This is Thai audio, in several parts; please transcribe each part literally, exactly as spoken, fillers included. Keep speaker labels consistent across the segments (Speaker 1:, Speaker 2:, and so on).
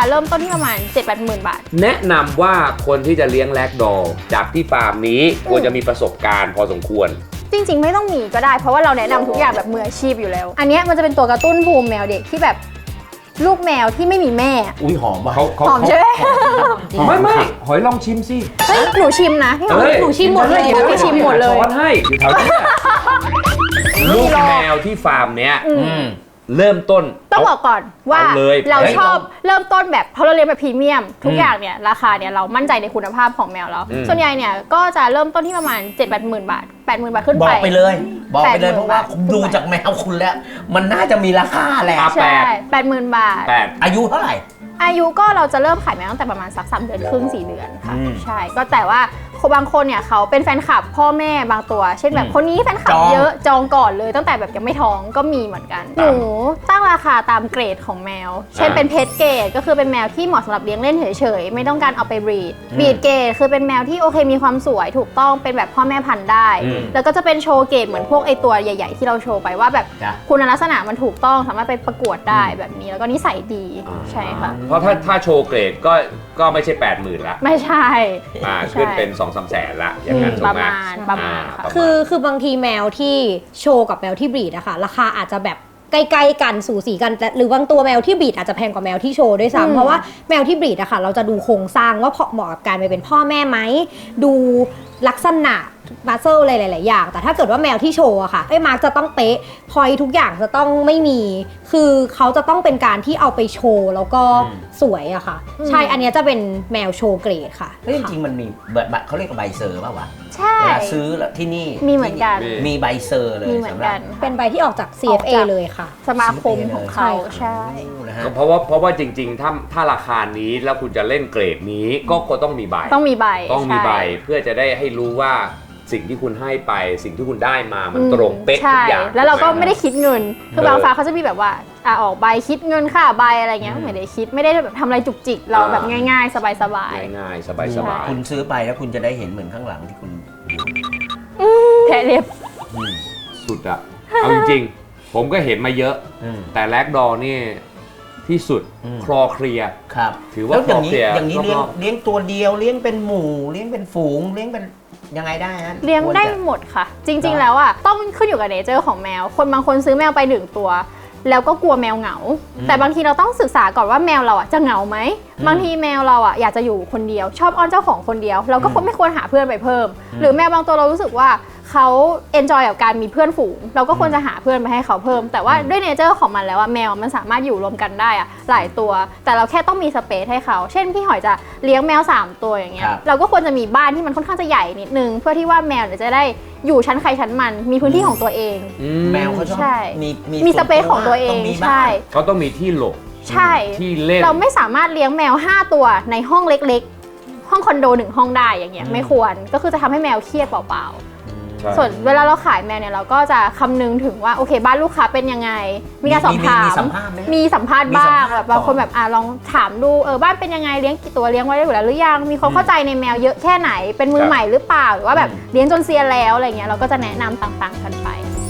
Speaker 1: เริ่มต้นที่ประมาณ เจ็ดแปดหมื่น บาท
Speaker 2: แนะนำว่าคนที่จะเลี้ยงแรกดอลจากที่ฟาร์มนี้ควรจะมีประสบการณ์พอสมควร
Speaker 1: จริงๆไม่ต้องมีก็ได้เพราะว่าเราแนะนำทุกอย่างแบบมืออาชีพอยู่แล้วอันนี้มันจะเป็นตัวกระตุ้นภูมิแมวเด็กที่แบบลูกแมวที่ไม่มีแม่
Speaker 3: อุ้ยหอมว่ะ
Speaker 2: เขา
Speaker 1: หอมใช่ไหม
Speaker 2: ไม่ไม่หอยลองชิมสิ
Speaker 1: เฮ้ยหนูชิมนะพี่หอยหนูชิมหมดเลยหนูชิมหมดเลย
Speaker 2: ช้อนให้อยู่แถวนี้ลูกแมวที่ฟาร์มเนี้ยเริ่มต้น
Speaker 1: ต้องบอกก่อนว่าเราชอบเริ่มต้นแบบเพราะเราเลี้ยงแบบพรีเมียมทุกอย่างเนี่ยราคาเนี่ยเรามั่นใจในคุณภาพของแมวแล้วส่วนใหญ่เนี่ยก็จะเริ่มต้นที่ประมาณ เจ็ดแปดหมื่น บาท แปดหมื่น บาทขึ้นไป
Speaker 3: บอกไปเลยบอกไปเลยเพราะว่าดูจากแมวคุณแล้วมันน่าจะมีราคาแหละ
Speaker 1: ใช่ แปดหมื่น บาท
Speaker 3: อายุเท่าไหร่
Speaker 1: อายุก็เราจะเริ่มขายแมวตั้งแต่ประมาณสักสามเดือนครึ่งสี่เดือนค่ะใช่ก็แต่ว่าบางคนเนี่ยเขาเป็นแฟนคลับพ่อแม่บางตัวเช่นแบบคนนี้แฟนคลับเยอะจองก่อนเลยตั้งแต่แบบยังไม่ท้องก็มีเหมือนกันหนูตั้งราคาตามเกรดของแมวเช่นเป็นเพจเกรดก็คือเป็นแมวที่เหมาะสำหรับเลี้ยงเล่นเฉยๆไม่ต้องการเอาไปบรีดบรีดเกรดคือเป็นแมวที่โอเคมีความสวยถูกต้องเป็นแบบพ่อแม่พันธุ์ได้แล้วก็จะเป็นโชว์เกรดเหมือนพวกไอตัวใหญ่ๆที่เราโชว์ไปว่าแบบคุณลักษณะมันถูกต้องสามารถไปประกวดได้แบบนี้แล้วก็นิสัยดีใช่ค่ะ
Speaker 2: เพราะถ้าถ้าโชว์เกรดก็ก็ไม่ใช่ แปดหมื่น ละ
Speaker 1: ไม่ใช่
Speaker 2: อ่าขึ้นเป็น สองสาม แสนละอย่างนั้น
Speaker 1: ประมาณประมาณ
Speaker 4: คือคือบางทีแมวที่โชว์กับแมวที่บรีดอะค่ะราคาอาจจะแบบใกล้ๆกันสูสีกันหรือบางตัวแมวที่บรีดอาจจะแพงกว่าแมวที่โชว์ด้วยซ้ำเพราะว่าแมวที่บรีดอะค่ะเราจะดูโครงสร้างว่าเหมาะกับการไปเป็นพ่อแม่ไหมดูลักษณะบัสเซลอะไรหลายๆอย่างแต่ถ้าเกิดว่าแมวที่โชว์อะค่ะไอ้มาร์กจะต้องเป๊ะพอยทุกอย่างจะต้องไม่มีคือเขาจะต้องเป็นการที่เอาไปโชว์แล้วก็สวยอะค่ะใช่อันนี้จะเป็นแมวโชว์เกรดค่ะ
Speaker 3: เฮ้ยจริงๆมันมีแบบเขาเรียกใบเซอร์ป่าววะ
Speaker 1: ใช่
Speaker 3: เวลาซื้อที่นี่
Speaker 1: มีเหมือนกัน
Speaker 3: มีใบเซอร์เลย
Speaker 1: มีเหมือนกัน
Speaker 4: เป็นใบที่ออกจาก ซี เอฟ เอ เลยค่ะ
Speaker 1: สมาคมของเขาใช่
Speaker 2: เพราะว่าเพราะว่าจริงๆถ้าถ้าราคานี้แล้วคุณจะเล่นเกรดนี้ก็ก็ต้องมีใบ
Speaker 1: ต้องมีใบ
Speaker 2: ต้องมีใบเพื่อจะได้ให้รู้ว่าสิ่งที่คุณให้ไปสิ่งที่คุณได้มามันตรงเป๊ะทุกอย่าง
Speaker 1: แล้วเราก็ไม่ได้คิดเงินคือบางฟ้าเขาจะมีแบบว่าอ่ะออกใบคิดเงินค่าใบอะไรเงี้ยไม่ได้คิดไม่ได้แบบทำอะไรจุกจิกเราแบบง่ายๆสบาย
Speaker 2: ๆง่ายๆสบาย
Speaker 3: ๆคุณซื้อไปแล้วคุณจะได้เห็นเหมือนข้างหลังที่คุณ
Speaker 1: แผลเล็บ
Speaker 2: สุดอะเอาจริงๆผมก็เห็นมาเยอะแต่แลกดอนี่ที่สุดคลอเคลีย
Speaker 3: ครับ
Speaker 2: ถือว่าคลอเคลีย
Speaker 3: อย่างนี้เลี้ยงเลี้ยงตัวเดียวเลี้ยงเป็นหมู่เลี้ยงเป็นฝูงเลี้ยงเป็นยังไงได้นะ
Speaker 1: เลี้ยงได้หมดค่ะจริงๆแล้วอ่ะต้องขึ้นอยู่กับเนเจอร์ของแมวคนบางคนซื้อแมวไปหนึ่งตัวแล้วก็กลัวแมวเหงาแต่บางทีเราต้องศึกษาก่อนว่าแมวเราอ่ะจะเหงาไหมบางทีแมวเราอ่ะอยากจะอยู่คนเดียวชอบอ้อนเจ้าของคนเดียวเราก็ไม่ควรหาเพื่อนไปเพิ่มหรือแมวบางตัวเรารู้สึกว่าเขาเอนจอยกับการมีเพื่อนฝูงเราก็ควรจะหาเพื่อนไปให้เขาเพิ่มแต่ว่าด้วยเนเจอร์ของมันแล้วอะแมวมันสามารถอยู่รวมกันได้อะหลายตัวแต่เราแค่ต้องมีสเปซให้เขาเช่นพี่หอยจะเลี้ยงแมวสามตัวอย่างเงี้ยเราก็ควรจะมีบ้านที่มันค่อนข้างจะใหญ่นิดนึงเพื่อที่ว่าแมวจะได้อยู่ชั้นใครชั้นมันมีพื้นที่ของตัวเอง
Speaker 3: แมวเขาชอบ
Speaker 1: มีมีสเปซของตัวเองใช่
Speaker 2: เขาต้องมีที่หลบ
Speaker 1: ใช่ที่เล่นเราไม่สามารถเลี้ยงแมวห้าตัวในห้องเล็กๆห้องคอนโดหนึ่งห้องได้อย่างเงี้ยไม่ควรก็คือจะทำให้แมวเครียดเปล่าส่วนเวลาเราขายแมวเนี่ยเราก็จะคำนึงถึงว่าโอเคบ้านลูกค้าเป็นยังไงมีการสอบถามมีสัมภาษณ์บ้างแบบบางคนแบบอ่ะลองถามดูเออบ้านเป็นยังไงเลี้ยงกี่ตัวเลี้ยงไว้ได้อยู่แล้วหรือยังมีความเข้าใจในแมวเยอะแค่ไหนเป็นมือใหม่หรือเปล่าหรือว่าแบบเลี้ยงจนเซียนแล้วอะไรเงี้ยเราก็จะแนะนำต่างๆกันไป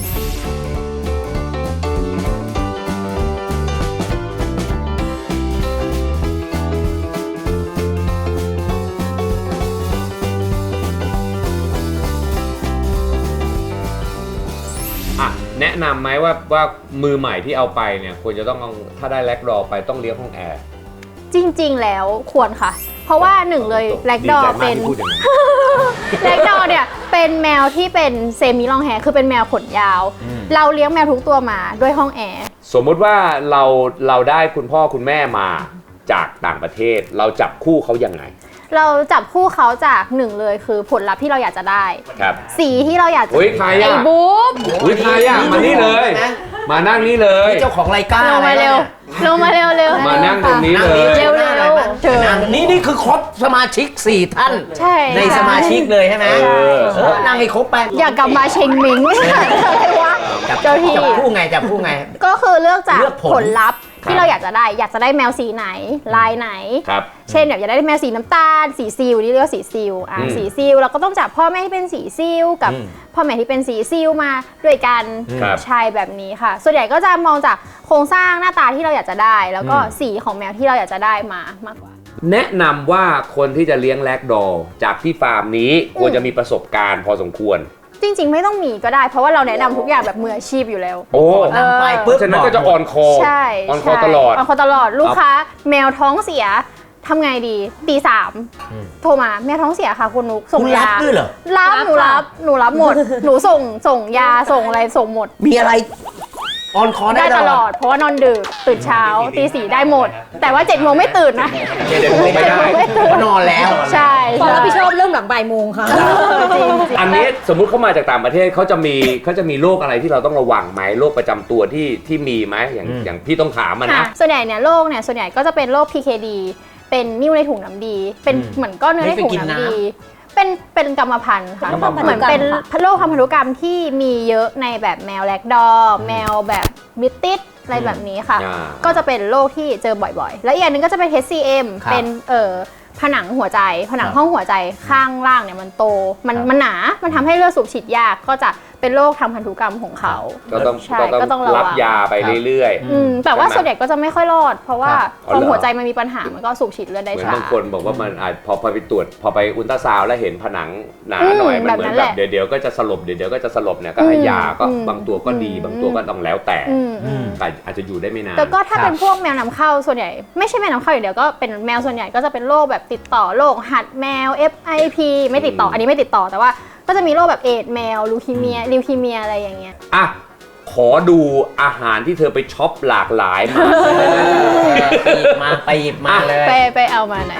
Speaker 2: แนะนำไหมว่าว่ามือใหม่ที่เอาไปเนี่ยควรจะต้องถ้าได้แลกดอไปต้องเลี้ยงห้องแอร์
Speaker 1: จริงๆแล้วควรค่ะเพราะว่าหนึ่งเลยแลกดอเป็นแลกดอเนี่ยเป็นแมวที่เป็นเซมิลองแฮร์คือเป็นแมวขนยาวเราเลี้ยงแมวทุกตัวมาด้วยห้องแอร์
Speaker 2: สมมุติว่าเราเราได้คุณพ่อคุณแม่มาจากต่างประเทศเราจับคู่เขายังไง
Speaker 1: เราจับคู่เขาจากหนึ่งเลยคือผลลัพธ์ที่เราอยากจะได้สีที่เราอยากจะ
Speaker 2: ไอ้
Speaker 1: บุ๊บ
Speaker 2: อุ้ยใครอ่ะมานี่เลยมานั่งนี่เลย
Speaker 3: เจ้าของรายการ
Speaker 1: ลงมาเร็วลงมาเร็วเร็ว
Speaker 2: มานั่งตรงนี้เลย
Speaker 1: เร็วเร็วเชิญ
Speaker 3: นี่นี่คือครบสมาชิกสี่ท่านในสมาชิกเลยใช่ไหมนั่งให้ครบไป
Speaker 1: อยากกลับมาเชงมิงไม่ใช่อะไรวะ
Speaker 3: จับ
Speaker 1: เจ้าที่
Speaker 3: จับคู่ไงจับคู่ไง
Speaker 1: ก็คือเลือกจาก
Speaker 3: เลือกผล
Speaker 1: ผลลัพธ์ที่เราอยากจะได้ อยากจะได้แมวสีไหนลายไหน
Speaker 2: ครับ
Speaker 1: เช่นแบบอยากได้แมวสีน้ำตาลสีซิลนี่เรียกว่าสีซิลอ่ะ
Speaker 2: อืม
Speaker 1: สีซิลเราก็ต้องจับพ่อแม่ที่เป็นสีซิลกับ
Speaker 3: อืม
Speaker 1: พ่อแม่ที่เป็นสีซิลมาด้วยกัน
Speaker 2: ครับ
Speaker 1: ใช่แบบนี้ค่ะ ส่วนใหญ่ก็จะมองจากโครงสร้างหน้าตาที่เราอยากจะได้ แล้วก็สีของแมวที่เราอยากจะได้มามากกว่า
Speaker 2: แนะนำว่าคนที่จะเลี้ยงแลกดอลจากที่ฟาร์มนี้ควรจะมีประสบการณ์พอสมควร
Speaker 1: จริงๆไม่ต้องมีก็ได้ เพราะว่าเราแนะนำทุกอย่างแบบมืออาชีพอยู่แล้ว
Speaker 2: โอ้
Speaker 3: นำไป
Speaker 2: เพ
Speaker 3: ปุ๊บ
Speaker 2: ราะฉะนั้นก็จะออนคอ
Speaker 1: ใช่
Speaker 2: ออนคอ
Speaker 1: ใช่
Speaker 2: ตลอด
Speaker 1: ออนคอตลอดลูกค้าแมวท้องเสียทำไงดีตีสาม
Speaker 3: อืม
Speaker 1: โทรมาแมวท้องเสียค่ะคุณนุกส่ง
Speaker 3: คุณรับ
Speaker 1: ยา
Speaker 3: ด้วยเหรอ
Speaker 1: รับ
Speaker 4: รับ
Speaker 1: หนูรับ
Speaker 4: ค่ะ
Speaker 1: หนูรับหมด หนูส่งส่งยาส่งอะไรส่งหมด
Speaker 3: มีอะไรออนคอได้
Speaker 1: ได้ตลอดเพราะว่านอนดึกตื่นเช้าตีสี่ได้หมด แต่ว่าเจ็ดโมงไม่ตื่นนะ
Speaker 3: เดี๋ยวไม่ได้
Speaker 1: ไม่ตื่น
Speaker 3: เพราะนอนแล้ว
Speaker 1: ใช่
Speaker 4: ความ
Speaker 1: ใช่
Speaker 4: รับผิดชอบเริ่มหลังบ่ายโมงค่ะ
Speaker 1: จริงๆ
Speaker 2: อันนี้สมมุติเขามาจากต่างประเทศเขาจะมีเขาจะมีโรคอะไรที่เราต้องระวังไหมโรคประจำตัวที่ที่มีไหมอย่าง
Speaker 3: อืม
Speaker 2: อย่างพี่ต้องถามมัน
Speaker 1: ค่ะ
Speaker 2: นะ
Speaker 1: ส่วนใหญ่เนี่ยโรคเนี่ยส่วนใหญ่ก็จะเป็นโรค พี เค ดี เป็นนิ่วในถุงน้ำดี เป็น
Speaker 3: อืม
Speaker 1: เหมือนก้อนเนื้อในถุง
Speaker 3: ไม่เคยกิน
Speaker 1: น้ำ
Speaker 3: น้ำ
Speaker 1: ดี เป็นเป็นกรรมพันธุ์ค่ะ
Speaker 2: กรรมพันธุ์
Speaker 1: เหมือนเป็นโรคทางพันธุกรรมที่มีเยอะในแบบแมวแลกดอร์แมวแบบบิตติสอะไรแบบนี้ค่ะ
Speaker 2: อ่า
Speaker 1: ก็จะเป็นโรคที่เจอบ่อยๆ แล้วอีกอย่างหนึงก็จะเป็น เอช ซี เอ็ม
Speaker 3: ครับ
Speaker 1: เป็นเอ่อผนังหัวใจ ผนัง
Speaker 3: ครับ
Speaker 1: ห้องหัวใจข้างล่างเนี่ยมันโต มัน
Speaker 3: ครับ
Speaker 1: มันหนา มันทำให้เลือดสูบฉีดยาก ก็จะเป็นโรคทางพันธุกรรมของเขา
Speaker 2: ก็ต้อง
Speaker 1: ใช่
Speaker 2: ก็
Speaker 1: ก็ต้
Speaker 2: ต้
Speaker 1: อ
Speaker 2: อง ง
Speaker 1: ระวัง
Speaker 2: รับยาไปเรื่อย
Speaker 1: อืมแต่ว่า
Speaker 2: ใช่ไหม
Speaker 1: ส่วนใหญ่ก็จะไม่ค่อยรอด เพราะว่า
Speaker 3: ครับ
Speaker 1: พอ
Speaker 2: อ๋อเหรอ
Speaker 1: หัวใจมันมีปัญหา มันก็สูบฉีดเลือด
Speaker 2: ๆ
Speaker 1: ได้
Speaker 2: เหมือน
Speaker 1: ช้า
Speaker 2: บางคนบอกว่ามันอาจพอพอไปตรวจพอไปอุลตราซาวด์แล้วเห็นผนังหนา
Speaker 1: อืม
Speaker 2: หน่อยมัน
Speaker 1: แบบ
Speaker 2: เหมื
Speaker 1: นั้
Speaker 2: อน
Speaker 1: น
Speaker 2: แบ
Speaker 1: แห
Speaker 2: บ
Speaker 1: ละ
Speaker 2: เดี๋ยวเดี๋ยวก็จะสลบเดี๋ยวเดี๋ยวก็จะสลบเนี่ยก็ให้ยาก็
Speaker 1: อืม
Speaker 2: บางตัวก็ดี
Speaker 1: อืม
Speaker 2: บางตัวก็ต้องแล้วแต่
Speaker 1: อืมอืม
Speaker 2: แต่อาจจะอยู่ได้ไม่นาน
Speaker 1: แต่ก็ถ้า
Speaker 3: ครับ
Speaker 1: เป็นพวกแมวนำเข้าส่วนใหญ่ไม่ใช่แมวนำเข้าอย่างเดียวก็เป็นแมวส่วนใหญ่ก็จะเป็นโรคแบบติดต่อโรคหัดแมว เอฟ ไอ พี ไม่ติดต่ออันนี้ไม่ติดต่อแต่ว่าก็จะมีโรคแบบเอดส์แมวลูคีเมียลิวคีเมียอะไรอย่างเงี้ย
Speaker 2: อ่ะขอดูอาหารที่เธอไปช็อปหลากหลายมา
Speaker 3: ไปหยิบมาไปหยิบมาเลย
Speaker 1: ไปไปเอามาหน่อย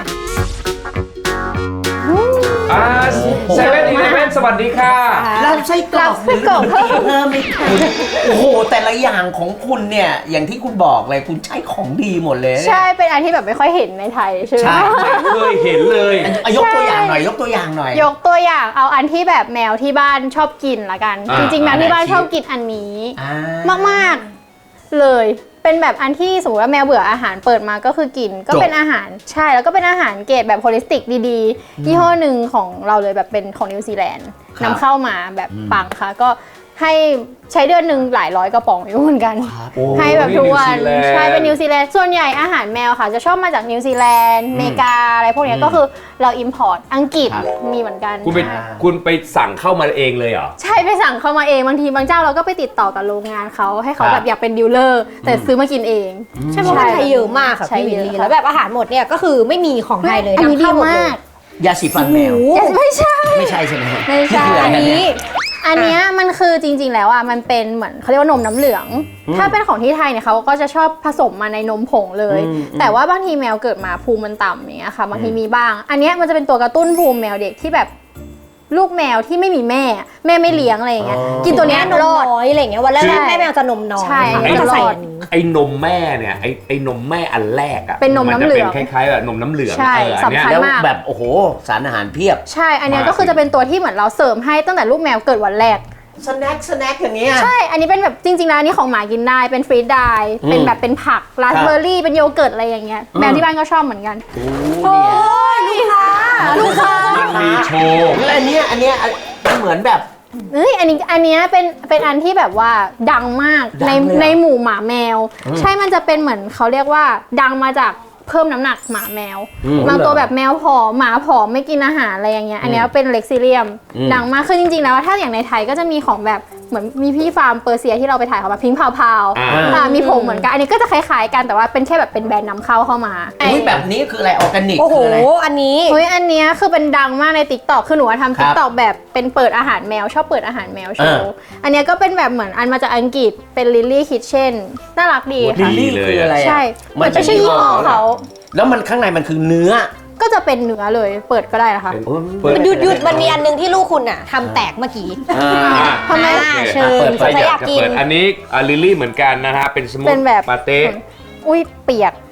Speaker 2: อ่าเซเว่นอีเลฟเว่นสวัสดีค่ะ
Speaker 3: รับไส้กรอก
Speaker 1: รับไส้กรอกเพิ่ม
Speaker 3: เพิ่มอีกโอ้โห แต่ละอย่างของคุณเนี่ย อย่างที่คุณบอกเลยคุณใช้ของดีหมดเลยเนี่ย
Speaker 1: ใช่เป็นอันที่แบบไม่ค่อยเห็นในไทยใช่ไหม
Speaker 3: ใช่
Speaker 2: ไม่เคยเห็นเลย
Speaker 3: อ่ะยกตัวอย่างหน่อย ยกตัวอย่างหน่อย
Speaker 1: ยกตัวอย่างเอาอันที่แบบแมวที่บ้านชอบกินละกัน
Speaker 2: อ่า
Speaker 1: จริงๆแมวที่บ้าน
Speaker 3: อ่า
Speaker 1: ชอบกินอันนี้
Speaker 3: อ่าม
Speaker 1: ากๆเลย เป็นแบบอันที่สมมติว่าแมวเบื่ออาหารเปิดมาก็คือกิน ก็เป็นอาหารใช่แล้วก็เป็นอาหารเกรดแบบโฮลิสติกดีๆยี่ห้อหนึ่งของเราเลยแบบเป็นของนิวซีแลนด์นำเข้ามาแบบปังค่ะก็ให้ใช้เดือนหนึ่งหลายร้อยกระป๋องอยู่เหมือนกัน
Speaker 3: ครับ
Speaker 2: โอ้
Speaker 1: ให้แบบทุกวัน
Speaker 2: นิวซีแลนด์
Speaker 1: ใช่เป็นนิวซีแลนด์ส่วนใหญ่อาหารแมวค่ะ จะชอบมาจากนิวซีแลนด์อเมริกาอะไรพวกเนี้ย
Speaker 3: อืม
Speaker 1: ก็คือเราอิมพอร์ตอังกฤษ
Speaker 3: ครับ
Speaker 1: มีเหมือนกัน
Speaker 2: คุณไป
Speaker 3: อ่า
Speaker 2: คุณไปสั่งเข้ามาเองเลยเหรอ
Speaker 1: ใช่ไปสั่งเข้ามาเองบางทีบางเจ้าเราก็ไปติดต่อกับโรงงานเขาให้เขา
Speaker 3: ครับ
Speaker 1: แบบอยากเป็นดีลเลอร์แต่ซื้อมากินเอง
Speaker 4: ใช่เพราะมันไทยเยอะมากค่ะ
Speaker 1: ใช่
Speaker 4: พี่วิล
Speaker 1: เย
Speaker 4: ลี่
Speaker 1: อะค่ะ
Speaker 4: แล้วแบบอาหารหมดเนี่ยก็คือไม่มีของไทยเลย
Speaker 1: อันนี้
Speaker 4: นำ
Speaker 1: ดี
Speaker 4: เข้าหมดเล
Speaker 1: มาย ก
Speaker 3: ยาสีฟันแมว
Speaker 4: โอ้โห
Speaker 1: ไม่ใช่
Speaker 3: ไม่ใช่ใช่ไหมครับ
Speaker 1: ไม่ใช่
Speaker 3: คือ
Speaker 4: อั
Speaker 3: อะ
Speaker 4: น
Speaker 3: ไร
Speaker 4: นี้
Speaker 1: อันเนี้ยมันคือจริง ๆ แล้วอ่ะมันเป็นเหมือนเขาเรียกว่านมน้ำเหลือง
Speaker 3: อืม
Speaker 1: ถ้าเป็นของที่ไทยเนี่ยเขาก็จะชอบผสมมาในนมผงเลย
Speaker 3: อืม
Speaker 1: แต่ว่าบางทีแมวเกิดมาภูมิมันต่ำอย่างเงี้ยค่ะบางที
Speaker 3: อืม
Speaker 1: มีบ้าง อันเนี้ยมันจะเป็นตัวกระตุ้นภูมิแมวเด็กที่แบบลูกแมวที่ไม่มีแม่ แม่ไม่เลี้ยงอะไรอย่างเงี้ยกินตัวเนี้ย
Speaker 4: นม
Speaker 1: รอด
Speaker 4: น้อยอะไรอย่างเงี้ยวันแร
Speaker 1: ใช่
Speaker 4: กๆแม่แมวจะนมน้อย
Speaker 1: ใช่
Speaker 4: ค่ะ
Speaker 2: ไอ้
Speaker 4: ก็จะใส่
Speaker 1: รอด
Speaker 4: อันนี้
Speaker 2: ไอ้นมแม่เนี่ยไอ้ไอ้นมแม่อันแรกอะ
Speaker 1: เป็นนมน้ำเหลือง
Speaker 2: มัจะเป็นคล้ายๆแบบนมน้ำเหลือง
Speaker 1: ใช่
Speaker 2: เอออันเนี้ย
Speaker 1: สำคัญ
Speaker 3: แล้ว
Speaker 1: มาก
Speaker 3: แบบโอ้โหสารอาหารเพียบ
Speaker 1: ใช่ อันเนี้ย
Speaker 2: มา
Speaker 1: ก็คือจะเป็นตัวที่เหมือนเราเสริมให้ตั้งแต่ลูกแมวเกิดวันแรก
Speaker 3: สแน็คสแน็คอย่างเงี้ย
Speaker 1: ใช่ อันนี้เป็นแบบจริงๆแล้วอันนี้ของหมากินได้ เป็นฟรีดไดร์
Speaker 3: อืม
Speaker 1: เป็นแบบเป็นผักราสเบอร์รี่ เป็นโยเกิร์ตอะไรอย่างเงี้ย แมว
Speaker 3: อืม
Speaker 1: ที่บ้านก็ชอบเหมือนกัน
Speaker 3: โอ้เนี่ย
Speaker 1: ลูกค้า
Speaker 2: มันมีโชว์
Speaker 3: แล้วอันเนี้ยอันเนี้ยมันเหมือนแบบ
Speaker 1: เอ้ย อันนี้ อันเนี้ยเป็น เป็นอันที่แบบว่าดังมาก
Speaker 3: ดัง
Speaker 1: ใน
Speaker 3: เลยเหรอ
Speaker 1: ในหมู่หมาแมว
Speaker 3: อืม
Speaker 1: ใช่ มันจะเป็นเหมือนเขาเรียกว่าดังมาจากเพิ่มน้ำหนักหมาแมว
Speaker 3: อืม
Speaker 1: บางตัวแบบแมวผอมหมาผอมไม่กินอาหารอะไรอย่างเงี้ย อันเนี้ยเป็นเล็กซิเลียม
Speaker 3: อืม
Speaker 1: ดังมาก คือจริงๆแล้วถ้าอย่างในไทยก็จะมีของแบบเหมือนมีพี่ฟาร์มเปอร์เซียที่เราไปถ่ายเขาแบบพิงค์พาวพาว
Speaker 2: อ่า
Speaker 1: อ่ามีผงเหมือนกัน อันนี้ก็จะคล้ายๆกันแต่ว่าเป็นแค่แบบเป็นแบรนด์นำเข้าเข้ามา
Speaker 3: อุ้ยแบบนี้คืออะไรออร์แกนิก
Speaker 4: โอ้โห
Speaker 3: คืออะไร
Speaker 4: อันนี้
Speaker 1: เฮ้ยอันเนี้ยคือเป็นดังมากใน ติ๊กต็อก คือหนูว่าทำ
Speaker 3: ครั
Speaker 1: ติ๊
Speaker 3: บ
Speaker 1: กต็อกแบบเป็นเปิดอาหารแมวชอบเปิดอาหารแมวโชว์ อันเนี้ยก็เป็นแบบเหมือนอันมาจากอังกฤษเป็นลิลลี่คิทเช่นน่ารักดี
Speaker 3: ลิ
Speaker 1: ค่ะ
Speaker 3: ลลี่คืออะไรอะ
Speaker 1: ใช่เหมือนไม่ใช่ยี่ห้อเขา
Speaker 3: แล้วมันข้างในมันคือเนื้อ
Speaker 1: ก็จะเป็นเนื้อเลยเปิดก็ได้นะคะ
Speaker 2: เป็น
Speaker 3: โอ้ย
Speaker 2: เปิด
Speaker 4: มันหยุดหยุดมันมีอันนึงที่ลูกคุณอ่ะทำแตกเมื่อกี้
Speaker 3: อ่า
Speaker 1: ทำไม
Speaker 4: อ่าเชิญ
Speaker 3: เปิด
Speaker 4: สงสัยอยากกิน
Speaker 2: เปิดอันนี้อ่ะลิลลี่เหมือนกันนะฮะเป็นสมูท
Speaker 1: เป็นแบบ
Speaker 2: ปาเต้
Speaker 1: อุ้ยเปียก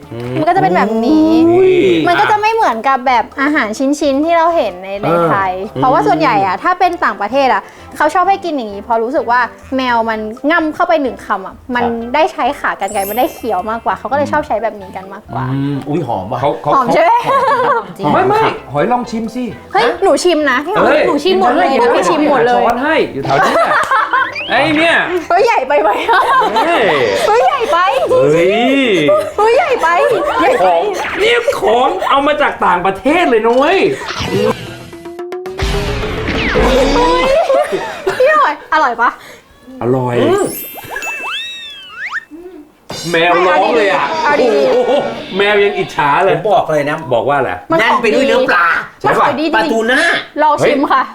Speaker 1: มันก็จะเป็นแบบนี้
Speaker 2: นี่
Speaker 1: มันก็จะไม่เหมือนกับแบบอาหารชิ้นๆที่เราเห็นในในไทย เพราะว่าส่วนใหญ่อะถ้าเป็นต่างประเทศอะเขาชอบให้กินอย่างนี้เพราะรู้สึกว่าแมวมันง่ำเข้าไปหนึ่งคำอะมันได้ใช้ขากรรไกรมันได้เคี้ยวมากกว่าเขาก็เลยชอบใช้แบบนี้กันมากกว่า
Speaker 3: อืมอุ้ยหอมว่ะ
Speaker 2: เขาเขา
Speaker 1: หอมใช่ไหม
Speaker 2: ไม่ไม่หอยลองชิมสิ
Speaker 1: เฮ้ยหนูชิมนะพี่หอม
Speaker 2: เอ้ย
Speaker 1: หนูชิมหมดเลยนะพี่ชิมหมดเลย
Speaker 2: ช้อนให้อยู่แถวนี้ไอ้เนี่ย
Speaker 1: เฮ้ยใหญ่ไปไหมอะ
Speaker 2: เฮ้ย
Speaker 1: เฮ้ยใหญ่ไป
Speaker 2: เฮ้ย
Speaker 1: เฮ้ยใหญ่ไปใหญ่
Speaker 2: ข
Speaker 1: ไป
Speaker 2: องนี่ของเอามาจากต่างประเทศเลยนุ้ย
Speaker 1: พี่หอยอร่อยปะ
Speaker 2: อร่อย แมวร้องเลยอ่ะ
Speaker 1: เอาดี
Speaker 2: โอ้โหแมวยังอิจฉา
Speaker 3: ผ
Speaker 2: เลย
Speaker 3: มบอกเลยนะ
Speaker 2: บอกว่าอะไร
Speaker 1: มัน
Speaker 3: แน่น
Speaker 1: ของ
Speaker 3: ไปด้วยเนื้อปลา
Speaker 1: มันของดีจ
Speaker 3: ปลา
Speaker 1: ริง
Speaker 3: ทูน่า
Speaker 1: ลองชิมค่ะ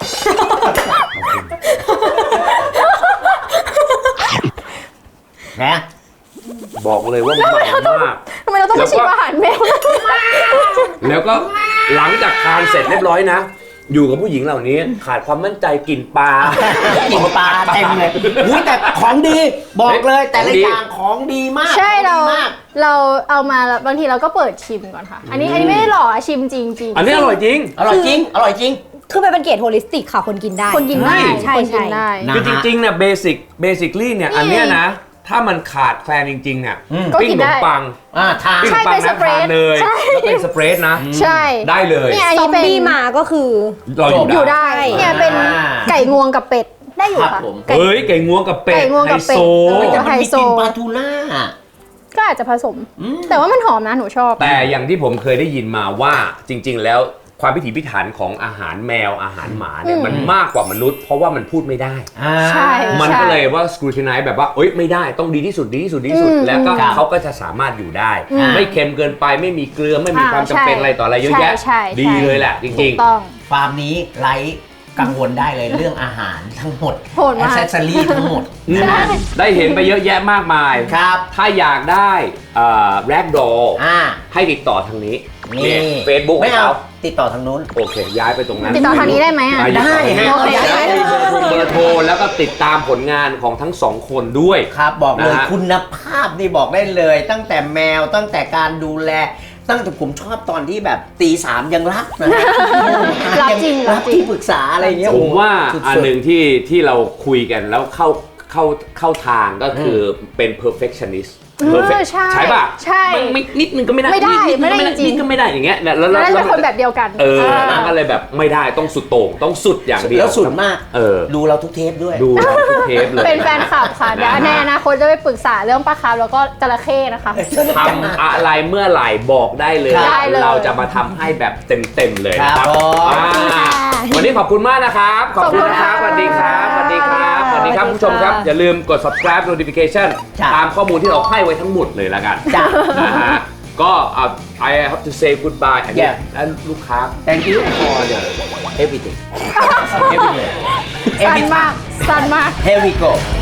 Speaker 3: นะ
Speaker 2: บอกเลยว่ามันมันมาก
Speaker 1: ทำไมเราต้องมาชิมอาหารแมว
Speaker 2: แล้วก็หลังจากทานเสร็จเรียบร้อยนะ อยู่กับผู้หญิงเหล่านี้ขาดความมั่นใจกลิ่นปลา
Speaker 3: กินปลาเต็มเลยอุ้ยแต่ของดี บอกเลยแต่ละ
Speaker 2: ของดี
Speaker 3: อย่างของดีมาก
Speaker 1: ใช่เรา
Speaker 3: ของดีมาก
Speaker 1: เราเอามาแล้วบางทีเราก็เปิดชิมก่อนค่ะ อันนี้อันนี้ไม่ได้หลอกอะชิมจริงจริง
Speaker 2: อันนี้อร่อยจริง
Speaker 3: อร่อยจริง อร่อยจริง
Speaker 4: คือมันเป็นเกรดโฮลิสติกค่ะคนกินได้
Speaker 1: คนกินได้
Speaker 4: ใช่
Speaker 1: คนกิน
Speaker 4: ใช่
Speaker 1: ได้
Speaker 3: นะ
Speaker 2: คือจริงๆเนี่ยเบสิกเบสิคลี่เนี่ย
Speaker 1: นี่
Speaker 2: อันเนี้ยนะ ถ้ามันขาดแคลนจริงๆเนี่ย
Speaker 3: อืม
Speaker 1: ก็
Speaker 2: ปิ้ง
Speaker 1: กิ
Speaker 2: ข
Speaker 1: น
Speaker 2: น
Speaker 1: ได้
Speaker 2: มปัง
Speaker 3: อ่าทาน
Speaker 2: ปิ้งข
Speaker 1: ใช่
Speaker 2: นมปั
Speaker 1: เป็
Speaker 2: ง
Speaker 1: นส
Speaker 2: นะ
Speaker 1: เปร
Speaker 2: ทา
Speaker 1: ด
Speaker 2: นเลย
Speaker 1: ใช่
Speaker 2: แล้วเป็นสเปรดนะ
Speaker 1: ใช่
Speaker 2: ได้เลย
Speaker 1: เนี่ยอัน
Speaker 4: ซอ
Speaker 1: นี้
Speaker 4: ม
Speaker 1: เป็น
Speaker 4: บี้มาก็คือ
Speaker 2: เราอยู่
Speaker 1: อยู่
Speaker 2: ได้
Speaker 1: ได้เนี่ยเป็นไก่งวงกับเป็ดได้อยู่
Speaker 3: ครับ
Speaker 1: ค่ะ
Speaker 3: ผม
Speaker 1: ไก่
Speaker 2: เฮ้ยไก่งวงกับเป็ด
Speaker 1: ไก่งวงกับเป็ด
Speaker 2: ไฮโซ
Speaker 1: เออ
Speaker 3: แต่มันมี
Speaker 1: ไฮโซ
Speaker 3: กลิ่นปลาทูน่า
Speaker 1: ก็อาจจะผสม
Speaker 3: อืม
Speaker 1: แต่ว่ามันหอมนะหนูชอบ
Speaker 2: แต่อย่างที่ผมเคยได้ยินมาว่าจริง ๆ แล้วความพิถีพิถันของอาหารแมวอาหารหมาเนี่ย
Speaker 1: อืม
Speaker 2: มันมากกว่ามนุษย์ เพราะว่ามันพูดไม่ได้
Speaker 3: อ่า
Speaker 1: ใช่
Speaker 2: มันก็เลยว่าสกรูติไนซ์แบบว่าเอ้ยไม่ได้ต้องดีที่สุดดีที่สุดดีที่สุด
Speaker 1: อืม
Speaker 2: แล้วก็
Speaker 3: ครับ
Speaker 2: เขาก็จะสามารถอยู่ได้
Speaker 1: อืม
Speaker 2: ไม่เค็มเกินไปไม่มีเกลือไม่มี
Speaker 1: อ่า
Speaker 2: ความจำเป็น
Speaker 1: ใช่
Speaker 2: อะไรต่ออะไรเยอะแยะ
Speaker 1: ใช่ใช่
Speaker 2: ดีเลยแหละจ
Speaker 1: ถู
Speaker 2: ริง
Speaker 1: กต้อง
Speaker 3: ฟาร์มนี้ไร้กังวลได้เลยเรื่องอาหารทั้งหมด
Speaker 1: โหดมาก
Speaker 3: แอสเซสซอรี่ทั้งหมด
Speaker 2: ๆอืมได้เห็นไปเยอะแยะมากมาย
Speaker 3: ครับ
Speaker 2: ถ้าอยากได้แรกดอ
Speaker 3: อ่า
Speaker 2: ให้ติดต่อทางนี้
Speaker 3: นี่
Speaker 2: เฟซบุ๊ก
Speaker 3: ไม่
Speaker 2: ของ
Speaker 3: เอา
Speaker 2: เขา
Speaker 3: ติดต่อทางนู้น
Speaker 2: โอเค ย้ายไปตรงนั้น
Speaker 1: ติดต่อทางนี้ได้ไหมอ่ะ
Speaker 2: อ่
Speaker 3: ได้ฮะ
Speaker 1: โอเค
Speaker 2: แล้วมีเบอร์โทรเบอร์โทรแล้วก็ติดตามผลงานของทั้งสองคนด้วย
Speaker 3: ครับบอกเลย
Speaker 2: นะฮะ
Speaker 3: คุณภาพนี่บอกได้เลย ตั้งแต่แมวตั้งแต่การดูแล ตั้งแต่ผมชอบตอนที่แบบตีสามยังรับนะฮะ
Speaker 1: รับจริง
Speaker 3: รั
Speaker 1: รั
Speaker 3: บบ
Speaker 1: จริง
Speaker 3: ที่ปรึกษาอะไรเงี้ย
Speaker 2: ผมว่า
Speaker 3: สุดๆ
Speaker 2: อันหนึ่งที่ที่เราคุยกันแล้วเข้าเข้าเข้าทางก็คือเป็น perfectionist
Speaker 1: เออ
Speaker 2: perfect
Speaker 1: ใช่
Speaker 2: ใช่ป่ะ
Speaker 1: ใช่
Speaker 2: มันไม่นิดนึงก็ไม่ได้
Speaker 1: ไม่ได้
Speaker 2: นินึงก็
Speaker 1: ไม่ได้จริง
Speaker 2: นิดก็ไม่ได้อย่างเงี้ยแล้วแล้ว
Speaker 1: น่าจะ
Speaker 2: แล้ว
Speaker 1: เป็นคนแบบเดียวกัน
Speaker 2: เออ
Speaker 1: อ่า
Speaker 2: ก็เลยแบบไม่ได้ต้องสุดโต่งต้องสุดอย่างเดียว
Speaker 3: แล้วสุดมาก
Speaker 2: เออ
Speaker 3: ดูเราทุกเทปด้วย
Speaker 2: ดูเราทุกเทปเลย
Speaker 1: เป็นแฟนคลับค่ะเดี๋ยวในอนาคตจะไปปรึกษาเรื่องปลาคาร์ฟแล้วก็จระเข้นะคะ
Speaker 2: ทำอะไรเมื่อไหร่บอกได้เลย
Speaker 1: ได้เลย
Speaker 2: เราจะมาทำให้แบบเต็มๆเลย
Speaker 3: ครับ
Speaker 2: นะครับ
Speaker 3: ผม
Speaker 2: อ่าวันนี้ขอบคุณมากนะครับ ขอบคุณนะครับ
Speaker 1: ข
Speaker 2: ส
Speaker 1: อบ
Speaker 2: วัส
Speaker 1: คุณ
Speaker 2: ดีค
Speaker 1: ค่ะ
Speaker 2: รับสวัสดีครับสวัสดีครับ
Speaker 4: สวัสดี
Speaker 2: ผู้ชมครับ
Speaker 4: ค่ะ
Speaker 2: อย่าลืมกด subscribe notification
Speaker 3: จ้ะ
Speaker 2: ตามข้อมูลที่เราให้ไว้ทั้งหมดเลยแล้วกัน
Speaker 3: จ้ะ
Speaker 2: นะฮะก็อ่ะ I have to say goodbye อันนี้
Speaker 3: Yeah
Speaker 2: และลูกค้า
Speaker 3: Thank you for the everything everything
Speaker 1: สั้นมากสั้นมาก
Speaker 3: Here we go